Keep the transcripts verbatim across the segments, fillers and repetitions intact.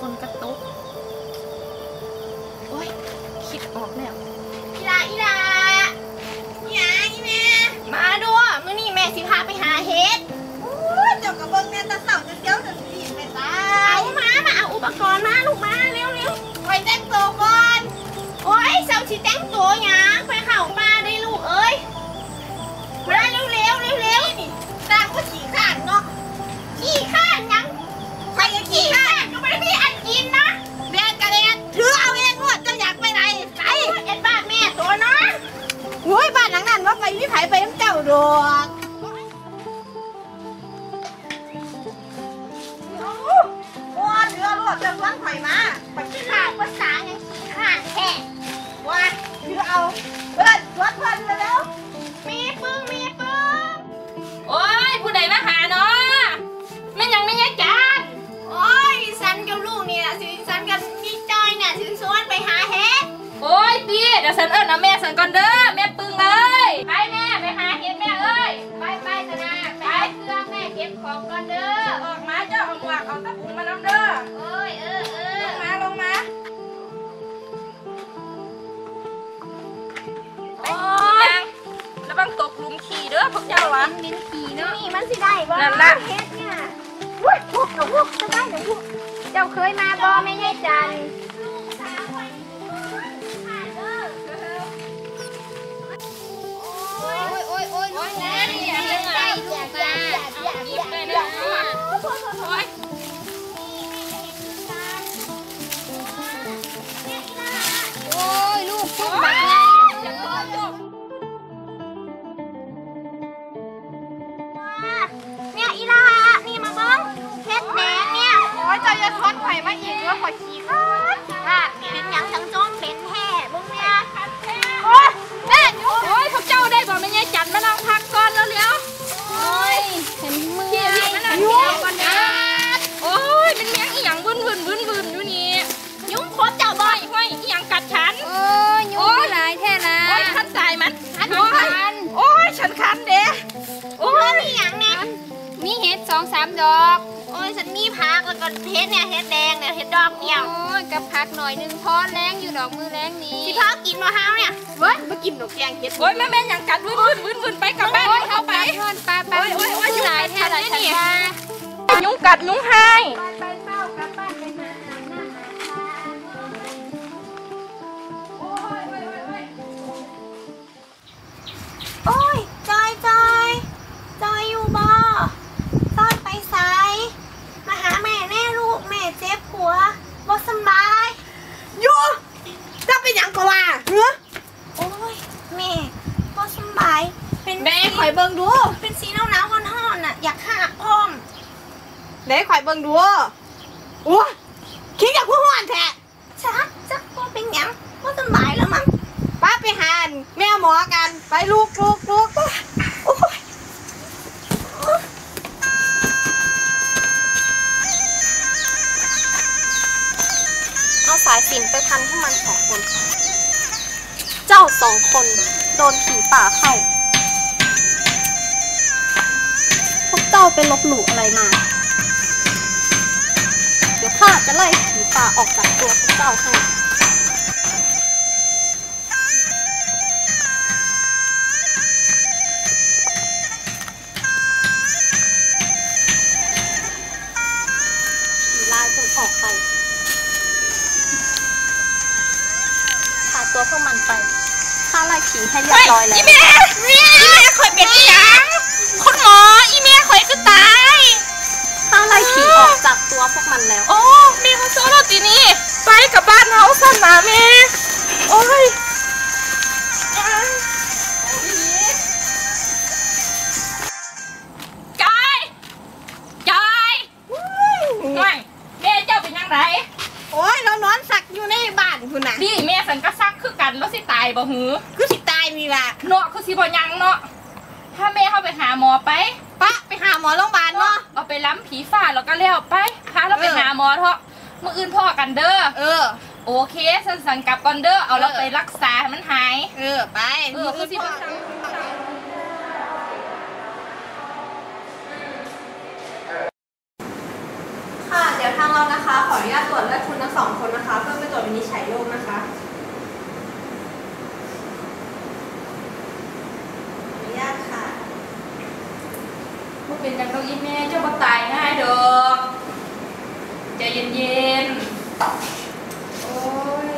นกระตุกโอ้ยคิดออกแล้วอีลาอีลาอีลาอีแม่มาดูมื้อนี้แม่สิพาไปหาเห็ดเจ้ากระเบื้องแม่ตะเสาจะเสี้ยวจะสีไปตาเอามามาเอาอุปกรณ์มาลูกมาเร็วเร็วไปแต่งตัวก่อนโอ้ยเจ้าชิแต่งตัวหยังไปเข้ามาได้ลูกเอ้ยมาเร็วเร็วเร็วเร็วนี่ตาก็ขี่ข้านเนาะขี้ข้านยังไปยังขี่ข้านก็ไม่ได้พี่อันกินนะเรียนกระเรียนถือเอาเองงวดจะอยากไปไหนไปเอ็ดบ้านแม่ตัวเนาะโอ้ยบ้านหลังนั้นว่าไปวิไผไปน้ำเจ้าดอกโอ้เรือรวดจะล้างไผ่มาไปขี้ข้านภาษายังขี้ข้านแค่ว่าถือเอาเพื่อนวัดเพื่อนมาแล้วมีปึ้งมีปึ้งโอ้ยผู้ใดมาหาเนาะแม่ยังไม่ยักจานโอ้ยสันกับลูกนี่แหละสิสันกับพี่จอยเนี่ยสิชวนไปหาเห็ดโอ้ยตีเดี๋ยวสันเอิญเอาแม่สันก่อนเด้อแม่ปึงเลยไปแม่ไปหาเห็ดแม่เอ้ยไปไปสนาไปเครื่องแม่เก็บของก่อนเด้อออกมาเจ้าเอาหมวกเอาตะปูมาน้ำเด้อเอ้ยเออเออลงมาลงมาโอ้ยแล้วบังตกลุมขี่เด้อพวกเจ้าวะลิ้นขี่เนาะนี่มันสิได้บ่นั่นละเฮ็ดเนี่ยวุ้ยพวกเอาพวกจะได้เดี๋ยวพวกเจ้าเคยมาบ่แม่ยายจันโอ้ยโอ้ยโอ้ยโอ้ยนะอย่าเล่นใจอย่าอย่าอย่าอย่าอย่าอย่าโอ้ยโอ้ยลูกพวกบักไงเนี่ยอีลานี่มาเบิ้งเฮ็ดแดงเนี่ยโอ้ยเจ้าจะทอดไผ่มาอีกแล้วขอขี่ข้านค่ะเป็นยังจังจมเป็นแห่เบิ้งเนี่ยโอ้ยแม่โอ้ยพวกเจ้าได้บอกแม่ยายจันมานั่งพักก่อนแล้วเลี้ยวโอ้ยเห็นมือพี่พี่มานั่งเที่ยวก่อนนะโอ้ยเป็นเมียงอีหยังวึนวึนวึนวึนอยู่นี่ยุ่งคบเจ้าบ่อยห้อยอีหยังกัดฉันโอ้ยยุ่งหลายแท่นะโอ้ยขันสายมันขันขันโอ้ยฉันคันเด้โอ้ยมีหยังเนี่ยมีเห็ดสองสามดอกโอ้ยฉันมีผักแล้วก็เห็ดเนี่ยเห็ดแดงเนี่ยเห็ดดอกเดียวโอ้ยกับผักหน่อยนึงพอแรงอยู่ดอกมือแรงนี้สิพากินมะพร้าวเนี่ยเว้ยมากินดอกแกงเห็ดโอ้ยแม่แม่ยังกัดวึนวึนวึนวึนไปกับบ้านเข้าไปทอดปลาปลาโอ้ยโอ้ยหลายแท่หลายแท่ยุงกัดยุงหายไปเฝ้ากลับบ้านไปหาอาบน้ำอาบท่าโอ้ยโอ้ยโอ้ยโอ้ยจอยจอยจอยอยู่บ่จอยไปไสมาหาแม่แน่ลูกแม่เจ็บหัวบ่สบายอยู่จะเป็นอย่างก็ว่าเฮ้อโอ้ยแม่บ่สบายเป็นแม่ข่อยเบิ่งดูเป็นสีหนาวหนาวฮ้อนๆน่ะอยากหาพร้อมเด้ข่อยเบิ่งดูโอ้คิดอยากพูดห่อนแท้ชักจักบ่เป็นหยังบ่สบายแล้วมั้งป้าไปหาแม่หมอกันไปลูกลูกลูกโอ้ยเอาสายสิญจน์ไปพันให้มันสองคนเจ้าสองคนโดนผีป่าเข้าพวกเจ้าไปลบหลู่อะไรมาเดี๋ยวข้าจะไล่ผีป่าออกจากตัวพวกเจ้าให้ผีลายจงออกไปพาตัวพวกมันไปข้าไล่ผีให้เรียบร้อยแล้วอีเมียอีเมียข่อยเป็นอีหยังคุณหมออีเมียข่อยคือตายข้าไล่ผีออกจากตัวพวกมันแล้วโอ้แม่เขาโซ่เราตีนี่ไปกับบ้านเฮาสั่นนะแม่โอ้ยจอยจอยไม่แม่เจ้าเป็นยังไงโอ้ยเรานอนสักอยู่ในบ้านคุณน่ะนี่แม่สันก็ซักคือกันแล้วสิตายบ่หือคือสิตายนี่ล่ะเนาะคือสิบ่ยังเนาะถ้าแม่เข้าไปหาหมอไปปะไปหาหมอโรงพยาบาลเนาะเอาไปล้ำผีฝ้าแล้วก็เลี้ยวไปพาเราไปหาหมอเถอะมื่ออื่นพ่อกันเด้อเออโอเคสันสันกลับก่อนเด้อเอาเราไปรักษาให้มันหายเออไปเออคือสิพ่อค่ะเดี๋ยวทางเรานะคะ ขออนุญาตตรวจเลือดคุณทั้งสองคนนะคะ เพื่อไปตรวจวินิจฉัยโรคนะคะขออนุญาตค่ะพวกเป็นจังต้องอีแม่เจ้าบ่ตายง่ายดอกใจเย็นๆโอ้ย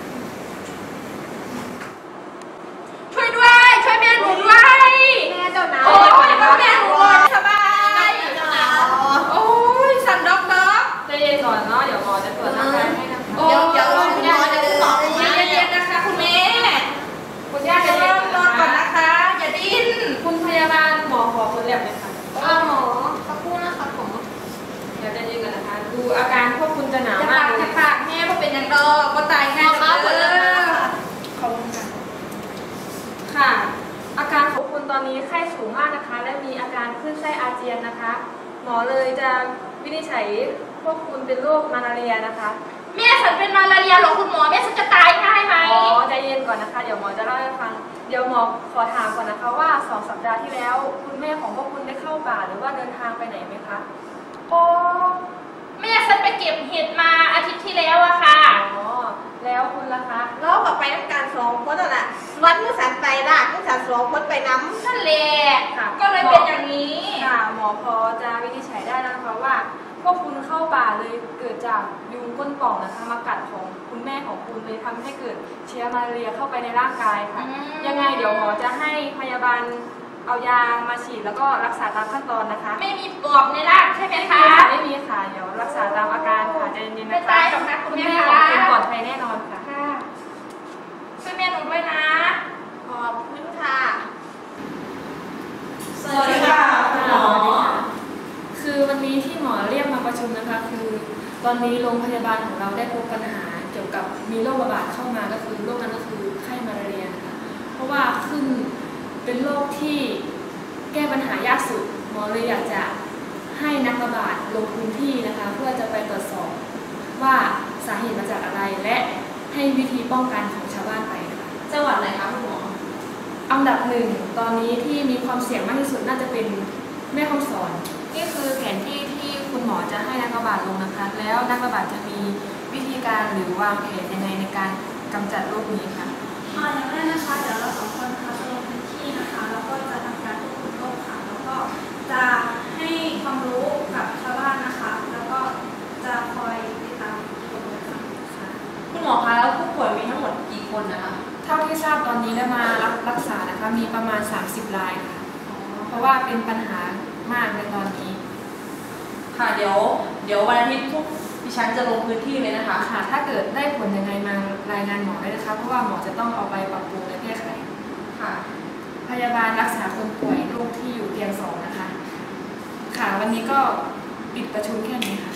ช่วยด้วยช่วยแม่หนูด้วยแม่เจ้านะโอ้ยช่วยแม่หนูด้วยสบายโอ้ยสั่นด็อกด็อกใจเย็นก่อนเนาะเดี๋ยวหมอจะตรวจร่างกายให้นะคะเดี๋ยวเดี๋ยวคุณหมอจะสอบใจเย็นๆนะคะคุณแม่คุณย่าใจเย็นก่อนนะคะอย่าดิ้นคุณพยาบาลหมอขอคนแรกเลยค่ะเอาหมอสักครู่นะคะผมเดี๋ยวใจเย็นก่อนนะคะดูอาการพวกคุณจะหนาวจะมาปาก กเลจะยปากแม่ก็เป็นอย่างดอกก็ตายง่ายขอบคุณค่ะขอบคุณค่ะค่ะ อาการของคุณตอนนี้ไข้สูงมากนะคะ และมีอาการคลื่นไส้อาเจียนนะคะ หมอเลยจะวินิจฉัยพวกคุณเป็นโรคมาลาเรียนะคะแม่ฉันเป็นมาลาเรียหรอคุณหมอแม่ฉันจะตายง่ายไหมอ๋อใจเย็นก่อนนะคะเดี๋ยวหมอจะเล่าให้ฟังเดี๋ยวหมอขอถามก่อนนะคะว่าสองสัปดาห์ที่แล้วคุณแม่ของพวกคุณได้เข้าป่าหรือว่าเดินทางไปไหนไหมคะโอ้แม่ฉันไปเก็บเห็ดมาอาทิตย์ที่แล้วอะค่ะอ๋อแล้วคุณล่ะคะเรากับไปน้ำการสองคนนั่นแหละวัดเมื่อสันไปละเมื่อสันสองคนไปน้ำนั่นแหละค่ะก็เลยเป็นอย่างนี้ค่ะหมอพอจะวินิจฉัยได้แล้วนะคะว่าพวกคุณเข้าป่าเลยเกิดจากยุงก้นป่องนะคะมากัดของคุณแม่ของคุณเลยทำให้เกิดเชื้อมาลาเรียเข้าไปในร่างกายค่ะยังไงเดี๋ยวหมอจะให้พยาบาลเอายามาฉีดแล้วก็รักษาตามขั้นตอนนะคะไม่มีปอบในร่างใช่ไหมคะไม่มีค่ะเดี๋ยวรักษาตามอาการค่ะใจเย็นๆนะคะไม่ตายหรอกนะคุณแม่ของคุณปลอดภัยแน่นอนค่ะช่วยแม่หนูด้วยนะขอบคุณค่ะสวัสดีค่ะหมอคือวันนี้ที่หมอเรียกมาประชุมนะคะคือตอนนี้โรงพยาบาลของเราได้พบปัญหาเกี่ยวกับมีโรคระบาดเข้ามาก็คือโรคนั้นก็คือไข้มาลาเรียนะคะเพราะว่าขึ้นเป็นโรคที่แก้ปัญหายากสุดหมอเลยอยากจะให้นักระบาดลงพื้นที่นะคะเพื่อจะไปตรวจสอบว่าสาเหตุมาจากอะไรและให้วิธีป้องกันของชาวบ้านไปนะคะจังหวัดไหนคะคุณหมออันดับหนึ่งตอนนี้ที่มีความเสี่ยงมากที่สุดน่าจะเป็นแม่ฮ่องสอนนี่คือแผนที่ที่คุณหมอจะให้นักระบาดลงนะคะแล้วนักระบาดจะมีวิธีการหรือวางแผนยังไงในการกำจัดโรคนี้คะอ่าอย่างแรกนะคะเดี๋ยวเราสองคนนะคะจะลงพื้นที่นะคะแล้วก็จะทำการควบคุมโรคค่ะแล้วก็จะให้ความรู้กับชาวบ้านนะคะ แล้วก็จะคอยติดตามผลนะคะคุณหมอคะแล้วผู้ป่วยมีทั้งหมดกี่คนนะคะเท่าที่ทราบตอนนี้ได้มารับรักษานะคะมีประมาณสามสิบรายค่ะเพราะว่าเป็นปัญหามากในตอนนี้ค่ะเดี๋ยวเดี๋ยววันอาทิตย์ทุกดิฉันจะลงพื้นที่เลยนะคะค่ะถ้าเกิดได้ผลยังไงมารายงานหมอได้นะคะเพราะว่าหมอจะต้องเอาไปปรับปรุงและแก้ไขค่ะพยาบาลรักษาคนป่วยโรคที่อยู่เตียงสองนะคะค่ะวันนี้ก็ปิดประชุมแค่นี้ค่ะ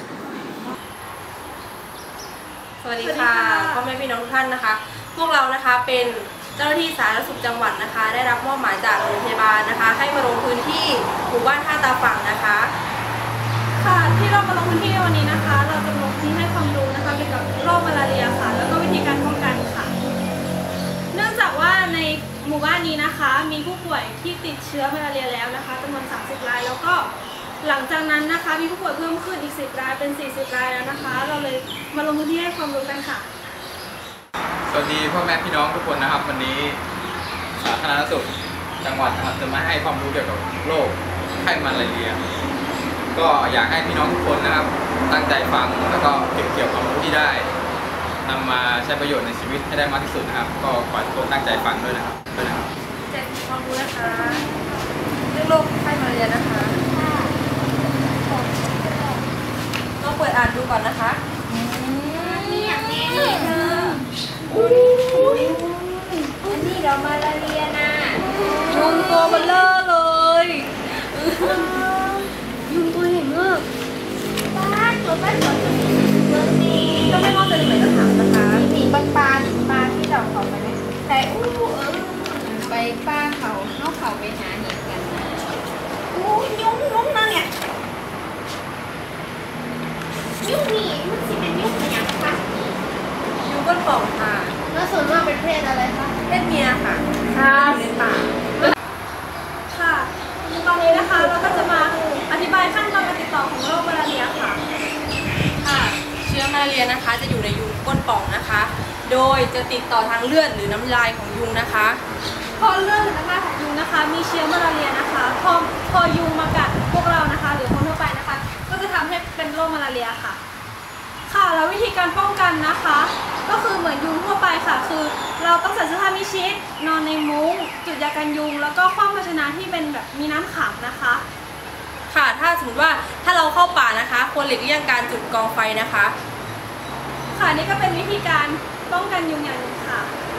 สวัสดีค่ะพ่อแม่พี่น้องทุกท่านนะคะ พวกเรานะคะเป็นเจ้าหน้าที่สาธารณสุขจังหวัดนะคะ ได้รับมอบหมายจากโรงพยาบาลนะคะ ให้มาลงพื้นที่หมู่บ้านท่าตาฝั่งนะคะค่ะที่เรามาลงพื้นที่ในวันนี้นะคะ เราจะลงพื้นที่ให้ความรู้นะคะเกี่ยวกับโรคมาลาเรียค่ะ แล้วก็วิธีการป้องกันค่ะ เนื่องจากว่าในหมู่บ้านนี้นะคะ มีผู้ป่วยที่ติดเชื้อมาลาเรียแล้วนะคะจำนวนสามสิบรายแล้วก็หลังจากนั้นนะคะมีผู้ป่วยเพิ่มขึ้นอีกสิบรายเป็นสี่สิบรายแล้วนะคะ เราเลยมาลงพื้นที่ให้ความรู้กันค่ะสวัสดีพ่อแม่พี่น้องทุกคนนะครับวันนี้สาธารณสุขจังหวัดนะครับจะมาให้ความรู้เกี่ยวกับโรคไข้มาลาเรียก็อยากให้พี่น้องทุกคนนะครับตั้งใจฟังแล้วก็เก็บเกี่ยวความรู้ที่ได้นำมาใช้ประโยชน์ในชีวิตให้ได้มากที่สุดนะครับก็ขอให้ทุกคนตั้งใจฟังด้วยนะครับด้วยนะครับแจกความรู้นะคะเรื่องโรคไข้มาลาเรียนะคะลองเปิดอ่านดูก่อนนะคะนี่อย่างนี้เธออันนี้เรามาลาเรียนะยุงตัวเบลเลอร์เลยยุงตัวใหญ่มากป้าตัวป้าตัวตัวเมืองนี้ก็ไม่ว่าจะเหมือนจะถามนะคะมีปลาปลาปลาที่เราเขาไปไหมแต่อู้เออไปป้าเขาเข้าเขาไปหาเห็ดกันนะอู้ยุ้งยุ้งนะเนี่ยยุ่งนี่มันสิเป็นยุ่งอย่างคะยุงก้นป่องค่ะแล้วส่วนมากเป็นเพศอะไรคะเพศเมียค่ะค่ะอยู่ในป่าค่ะตอนนี้นะคะเราก็จะมาอธิบายขั้นตอนการติดต่อของโรคมาลาเรียค่ะลาเรียนะคะจะอยู่ในยุงก้นป่องนะคะ โดยจะติดต่อทางเลือดหรือน้ำลายของยุงนะคะพอเลือดหรือน้ำลายของยุงนะคะมีเชื้อมาลาเรียนะคะพอพอยุงมากัดพวกเรานะคะหรือคนทั่วไปนะคะก็จะทำให้เป็นโรคมาลาเรียค่ะค่ะแล้ววิธีการป้องกันนะคะก็คือเหมือนยุงทั่วไปค่ะคือเราต้องใส่เสื้อผ้ามิดชิดนอนในมุ้งจุดยากันยุงแล้วก็คว่ำภาชนะที่เป็นแบบมีน้ำขังนะคะค่ะถ้าสมมติว่าถ้าเราเข้าป่านะคะควรหลีกเลี่ยงการจุดกองไฟนะคะค่ะนี่ก็เป็นวิธีการป้องกันยุงอย่างหนึ่งค่ะ